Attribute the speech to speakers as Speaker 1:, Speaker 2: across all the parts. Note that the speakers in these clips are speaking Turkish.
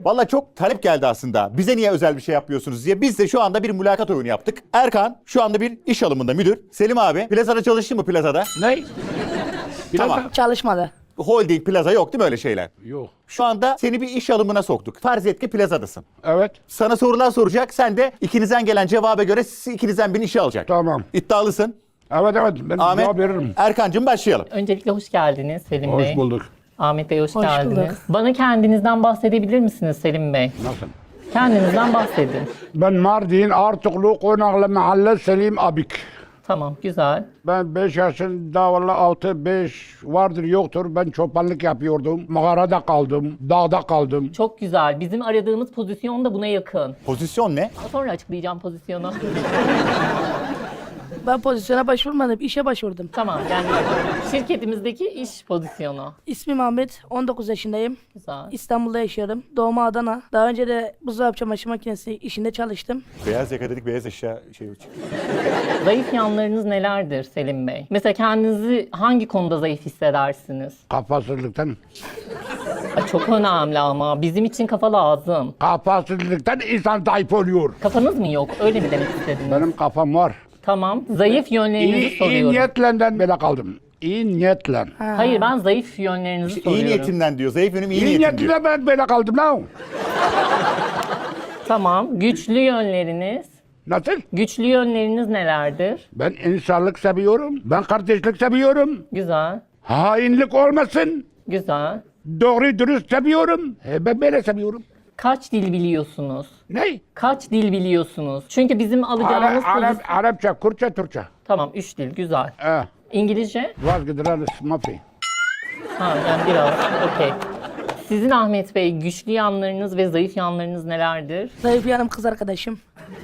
Speaker 1: Valla çok talep geldi aslında. Bize niye özel bir şey yapmıyorsunuz diye. Biz de şu anda bir mülakat oyunu yaptık. Erkan şu anda bir iş alımında müdür. Selim abi plazada çalıştın mı plazada?
Speaker 2: Ne?
Speaker 1: Tamam.
Speaker 3: Çalışmadı.
Speaker 1: Holding plaza yok değil mi öyle şeyler?
Speaker 2: Yok.
Speaker 1: Şu anda seni bir iş alımına soktuk. Farz et ki plazadasın.
Speaker 2: Evet.
Speaker 1: Sana sorular soracak. Sen de ikinizden gelen cevaba göre ikinizden birini işe alacak.
Speaker 2: Tamam.
Speaker 1: İddialısın.
Speaker 2: Evet ben
Speaker 1: Ahmet,
Speaker 2: cevap veririm.
Speaker 1: Erkancığım başlayalım.
Speaker 4: Öncelikle hoş geldiniz Selim Bey.
Speaker 2: Hoş bulduk.
Speaker 4: Ahmet Bey hoş
Speaker 3: Hoş
Speaker 4: geldiniz.
Speaker 3: bulduk.
Speaker 4: Bana kendinizden bahsedebilir misiniz Selim Bey?
Speaker 2: Nasıl?
Speaker 4: Kendinizden bahsedin.
Speaker 2: Ben Mardin Artuklu Konaklı Mahalle Selim Abik.
Speaker 4: Tamam, güzel.
Speaker 2: Ben 5 yaşında valla 6-5 vardır yoktur. Ben çobanlık yapıyordum. Mağarada kaldım. Dağda kaldım.
Speaker 4: Çok güzel. Bizim aradığımız pozisyon da buna yakın.
Speaker 1: Pozisyon ne?
Speaker 4: Sonra açıklayacağım pozisyonu.
Speaker 3: Ben pozisyona başvurmadım, işe başvurdum.
Speaker 4: Tamam, yani şirketimizdeki iş pozisyonu.
Speaker 3: İsmim Ahmet, 19 yaşındayım.
Speaker 4: Güzel.
Speaker 3: İstanbul'da yaşıyorum. Doğma Adana. Daha önce de buzdolabı çamaşır makinesi işinde çalıştım.
Speaker 1: Beyaz yaka dedik, beyaz eşya şey yok.
Speaker 4: Zayıf yanlarınız nelerdir Selim Bey? Mesela kendinizi hangi konuda zayıf hissedersiniz?
Speaker 2: Kafasızlıktan.
Speaker 4: Ay, çok önemli ama bizim için kafa lazım.
Speaker 2: Kafasızlıktan insan zayıf oluyor.
Speaker 4: Kafanız mı yok? Öyle mi demek istediniz?
Speaker 2: Benim kafam var.
Speaker 4: Tamam. Zayıf yönlerinizi
Speaker 2: İyi
Speaker 4: soruyorum.
Speaker 2: niyetle böyle kaldım. İyi niyetle.
Speaker 4: Hayır, ben zayıf yönlerinizi
Speaker 1: İyi
Speaker 4: soruyorum.
Speaker 1: niyetinden diyor. Zayıf yönüm iyi
Speaker 2: İyi
Speaker 1: niyetim diyor.
Speaker 2: niyetle ben böyle kaldım lan.
Speaker 4: Tamam. Güçlü yönleriniz.
Speaker 2: Nasıl?
Speaker 4: Güçlü yönleriniz nelerdir?
Speaker 2: Ben insanlık seviyorum. Ben kardeşlik seviyorum.
Speaker 4: Güzel.
Speaker 2: Hainlik olmasın.
Speaker 4: Güzel.
Speaker 2: Doğru dürüst seviyorum. Ben böyle seviyorum.
Speaker 4: Kaç dil biliyorsunuz?
Speaker 2: Ne?
Speaker 4: Kaç dil biliyorsunuz? Çünkü bizim alacağımız
Speaker 2: Arapça, Kürtçe, Türkçe.
Speaker 4: Tamam, 3 dil. Güzel. İngilizce?
Speaker 2: Vazgeçileriz mafi.
Speaker 4: Ha, yani biraz. Okey. Sizin Ahmet Bey güçlü yanlarınız ve zayıf yanlarınız nelerdir?
Speaker 3: Zayıf yanım kız arkadaşım.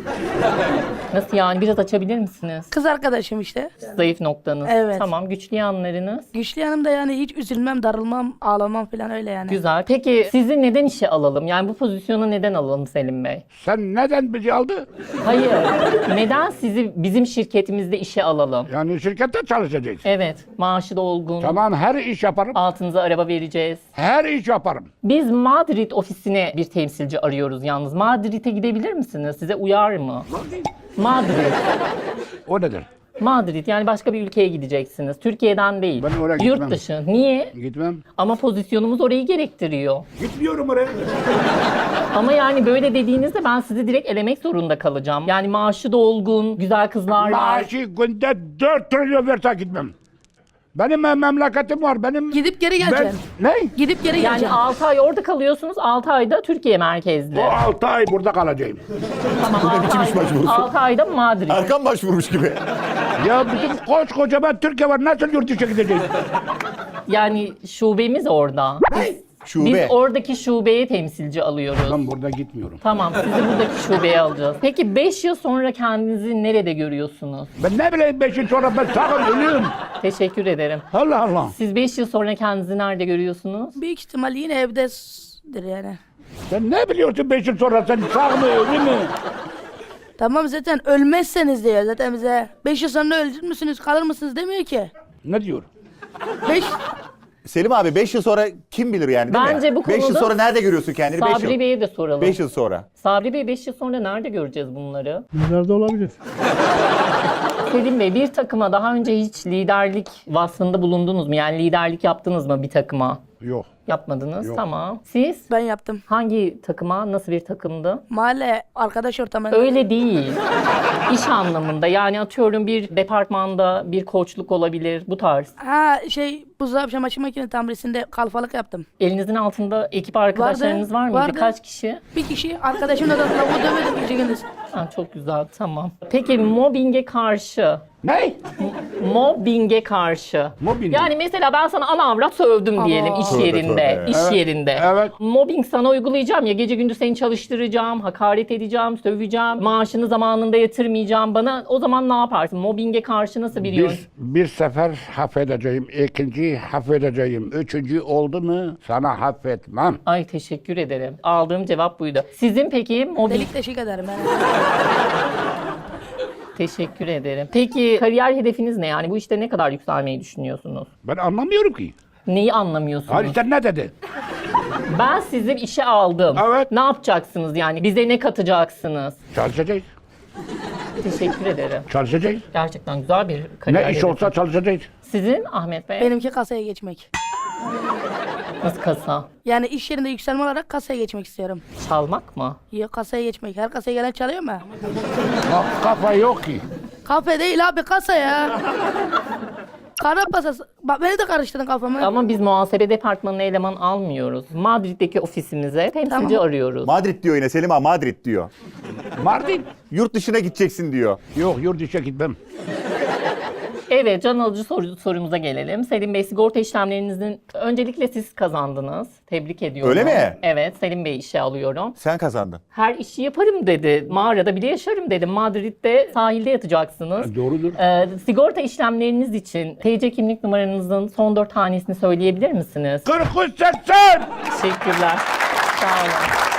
Speaker 4: Nasıl yani? Biraz açabilir misiniz?
Speaker 3: Kız arkadaşım işte.
Speaker 4: Zayıf noktanız.
Speaker 3: Evet.
Speaker 4: Tamam. Güçlü yanlarınız.
Speaker 3: Güçlü yanım da yani hiç üzülmem, darılmam, ağlamam falan öyle yani.
Speaker 4: Güzel. Peki sizi neden işe alalım? Yani bu pozisyona neden alalım Selim Bey?
Speaker 2: Sen neden bizi aldı?
Speaker 4: Hayır. Neden sizi bizim şirketimizde işe alalım?
Speaker 2: Yani şirkette çalışacağız.
Speaker 4: Evet. Maaşı da olgun.
Speaker 2: Tamam her iş yaparım.
Speaker 4: Altınıza araba vereceğiz.
Speaker 2: Her iş yaparım.
Speaker 4: Biz Madrid ofisine bir temsilci arıyoruz yalnız. Madrid'e gidebilir misiniz? Size uyar mı? Madrid.
Speaker 2: O nedir?
Speaker 4: Madrid, yani başka bir ülkeye gideceksiniz. Türkiye'den değil.
Speaker 2: Ben oraya
Speaker 4: Yurt
Speaker 2: gitmem.
Speaker 4: dışı. Niye?
Speaker 2: Gitmem.
Speaker 4: Ama pozisyonumuz orayı gerektiriyor.
Speaker 2: Gitmiyorum oraya.
Speaker 4: Ama yani böyle dediğinizde ben sizi direkt elemek zorunda kalacağım. Yani maaşı da olgun, güzel kızlar var.
Speaker 2: Maaşı günde 4 trilyon verse gitmem. Benim memleketim var. Benim...
Speaker 3: Gidip geri geleceksin.
Speaker 2: Ne?
Speaker 3: Gidip geri
Speaker 4: Yani
Speaker 3: geleceksin.
Speaker 4: 6 ay orada kalıyorsunuz, 6 ayda Türkiye merkezli.
Speaker 2: O 6 ay burada kalacağım.
Speaker 4: Tamam, 6
Speaker 1: biçim iş başvurusu?
Speaker 4: 6 ayda Madrid.
Speaker 1: Erkan başvurmuş gibi.
Speaker 2: Ya bizim koskocaman Türkiye var. Nasıl yurt dışı gideceğiz?
Speaker 4: Yani şubemiz orada.
Speaker 1: Şube.
Speaker 4: Biz oradaki şubeye temsilci alıyoruz.
Speaker 2: Ben burada gitmiyorum.
Speaker 4: Tamam, sizi buradaki şubeye alacağız. Peki 5 yıl sonra kendinizi nerede görüyorsunuz?
Speaker 2: Ben ne bileyim 5 yıl sonra ben sağım ölüyorum.
Speaker 4: Teşekkür ederim.
Speaker 2: Allah Allah.
Speaker 4: Siz 5 yıl sonra kendinizi nerede görüyorsunuz?
Speaker 3: Büyük ihtimal yine evdedir yani.
Speaker 2: Sen ne biliyorsun 5 yıl sonra sen sağ mı ölü mü?
Speaker 3: Tamam zaten ölmezseniz diyor zaten bize. 5 yıl sonra ölür müsünüz, kalır mısınız demiyor ki.
Speaker 2: Ne diyor?
Speaker 3: 5
Speaker 1: Selim abi 5 yıl sonra kim bilir yani değil mi?
Speaker 4: Bence bu
Speaker 1: 5 yıl
Speaker 4: konuda
Speaker 1: sonra nerede görüyorsun kendini? 5
Speaker 4: Sabri
Speaker 1: yıl.
Speaker 4: Bey'e de soralım.
Speaker 1: 5 yıl sonra.
Speaker 4: Sabri Bey 5 yıl sonra nerede göreceğiz bunları?
Speaker 5: Nerede olabilir?
Speaker 4: Selim Bey, bir takıma daha önce hiç liderlik vasfında bulundunuz mu? Yani liderlik yaptınız mı bir takıma?
Speaker 2: Yok.
Speaker 4: Yapmadınız.
Speaker 2: Yok.
Speaker 4: Tamam. Siz
Speaker 3: ben yaptım.
Speaker 4: hangi takıma, nasıl bir takımdı?
Speaker 3: Mahalle arkadaş ortamında.
Speaker 4: Öyle değil. İş anlamında. Yani atıyorum bir departmanda bir koçluk olabilir. Bu tarz.
Speaker 3: Ha buzdolabı çamaşır makinesi tamirisinde kalfalık yaptım.
Speaker 4: Elinizin altında ekip arkadaşlarınız var mıydı?
Speaker 3: vardı.
Speaker 4: Kaç kişi?
Speaker 3: Bir kişi arkadaşımla da lavuğu dövedim gece gündüz.
Speaker 4: Ha, çok güzel, tamam. Peki mobbinge karşı,
Speaker 2: Ne?
Speaker 4: mobbinge karşı.
Speaker 2: Mobbing.
Speaker 4: Yani mesela ben sana ana avrat sövdüm diyelim iş
Speaker 1: Tövbe
Speaker 4: yerinde.
Speaker 1: tövbe.
Speaker 4: İş
Speaker 2: Evet,
Speaker 4: yerinde.
Speaker 2: evet.
Speaker 4: Mobbing sana uygulayacağım ya, gece gündüz seni çalıştıracağım, hakaret edeceğim, söveceğim, maaşını zamanında yatırmayacağım. Bana o zaman ne yaparsın? Mobbinge karşı nasıl bir yön?
Speaker 2: Bir sefer affedeceğim, ikinci affedeceğim, üçüncü oldu mu sana affetmem.
Speaker 4: Ay, teşekkür ederim. Aldığım cevap buydu. Sizin peki mobbing...
Speaker 3: Delik deşik ederim yani.
Speaker 4: Teşekkür ederim. Peki kariyer hedefiniz ne? Yani bu işte ne kadar yükselmeyi düşünüyorsunuz?
Speaker 2: Ben anlamıyorum ki.
Speaker 4: Neyi anlamıyorsunuz?
Speaker 2: Hadi sen ne dedi?
Speaker 4: Ben sizi işe aldım.
Speaker 2: Evet.
Speaker 4: Ne yapacaksınız yani? Bize ne katacaksınız?
Speaker 2: Çalışacağız.
Speaker 4: Teşekkür ederim.
Speaker 2: Çalışacağız.
Speaker 4: Gerçekten güzel bir kariyer.
Speaker 2: Ne iş
Speaker 4: hedefi.
Speaker 2: olsa çalışacağız.
Speaker 4: Sizin Ahmet Bey?
Speaker 3: Benimki kasaya geçmek.
Speaker 4: Nasıl kasa?
Speaker 3: Yani iş yerinde yükselme olarak kasaya geçmek istiyorum.
Speaker 4: Çalmak mı?
Speaker 3: Yok, kasaya geçmek. Her kasaya gelen çalıyor mu?
Speaker 2: Kafa yok ki.
Speaker 3: Kafe değil abi, kasa ya. Kara kasası. Bak beni de karıştırdın kafamı.
Speaker 4: Ama biz muhasebe departmanına eleman almıyoruz. Madrid'deki ofisimize temsilci
Speaker 3: Tamam.
Speaker 4: arıyoruz.
Speaker 1: Madrid diyor yine Selim abi, Madrid diyor.
Speaker 2: Mardin.
Speaker 1: Yurt dışına gideceksin diyor.
Speaker 2: Yok, yurt dışına gitmem.
Speaker 4: Evet, can alıcı sorumuza gelelim. Selim Bey, sigorta işlemlerinizin öncelikle siz kazandınız. Tebrik ediyorum.
Speaker 1: Öyle mi?
Speaker 4: Evet, Selim Bey işe alıyorum.
Speaker 1: Sen kazandın.
Speaker 4: Her işi yaparım dedi. Mağarada bile yaşarım dedi. Madrid'de sahilde yatacaksınız.
Speaker 2: Doğrudur.
Speaker 4: Sigorta işlemleriniz için TC kimlik numaranızın son 4 hanesini söyleyebilir misiniz?
Speaker 2: 43 80.
Speaker 4: Teşekkürler. Sağ olun.